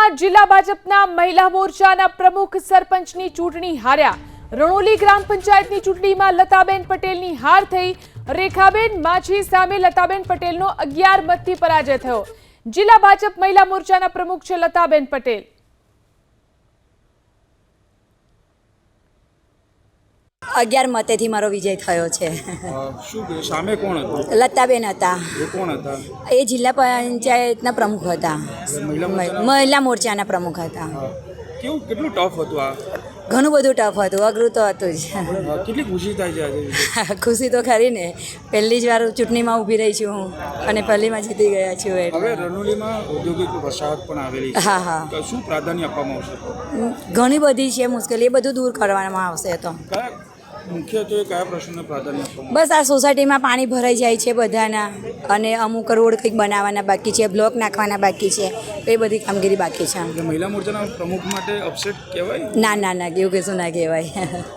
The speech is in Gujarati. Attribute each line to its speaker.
Speaker 1: રણોલીમાં જિલ્લા ભાજપના મહિલા મોરચાના પ્રમુખ સરપંચની ચૂંટણી હાર્યા। રણોલી ગ્રામ પંચાયતની ચૂંટણીમાં લતાબેન પટેલની હાર થઈ। રેખાબેન માછી સામે લતાબેન પટેલનો 11 મતથી પરાજય થયો। જિલ્લા ભાજપ મહિલા મોરચાના પ્રમુખ છે લતાબેન પટેલ।
Speaker 2: अगियार मतेथी मारो विजय थयो छे।
Speaker 3: सामे कोण हतो?
Speaker 2: लताबेन हता।
Speaker 3: ए कोण हता?
Speaker 2: ए जिल्ला पंचायतना प्रमुख हता। महिला मोर्चाना प्रमुख हता।
Speaker 3: केवुं કેટલું ટફ હતું આ?
Speaker 2: ઘણું બધું ટફ હતું, અઘરું તો હતું જ।
Speaker 3: કેટલી ખુશી થાય છે આજે?
Speaker 2: ખુશી તો ખરી ને, પહેલી જ વાર ચૂંટણીમાં ઊભી રહી છું હું અને પહેલીમાં જીતી ગયા છું।
Speaker 3: હવે રણોલીમાં ઔદ્યોગિક વસાહત પણ આવેલી છે।
Speaker 2: હા હા,
Speaker 3: તો શું પ્રાધાન્ય આપવામાં આવશે?
Speaker 2: ઘણી બધી છે મુશ્કેલી, એ બધું દૂર કરવામાં આવશે। તો
Speaker 3: કયા મુખ્યત્વે કયા પ્રશ્નને પ્રાધાન્ય આપવામાં?
Speaker 2: બસ આ સોસાયટીમાં પાણી ભરાઈ જાય છે બધાના, અને અમુક રોડ કંઈક બનાવવાના બાકી છે, બ્લોક નાખવાના બાકી છે, એ બધી કામગીરી બાકી છે।
Speaker 3: મહિલા મોરચાના પ્રમુખ માટે અપસેટ કહેવાય?
Speaker 2: ના ના ના, એવું કશું ના કહેવાય।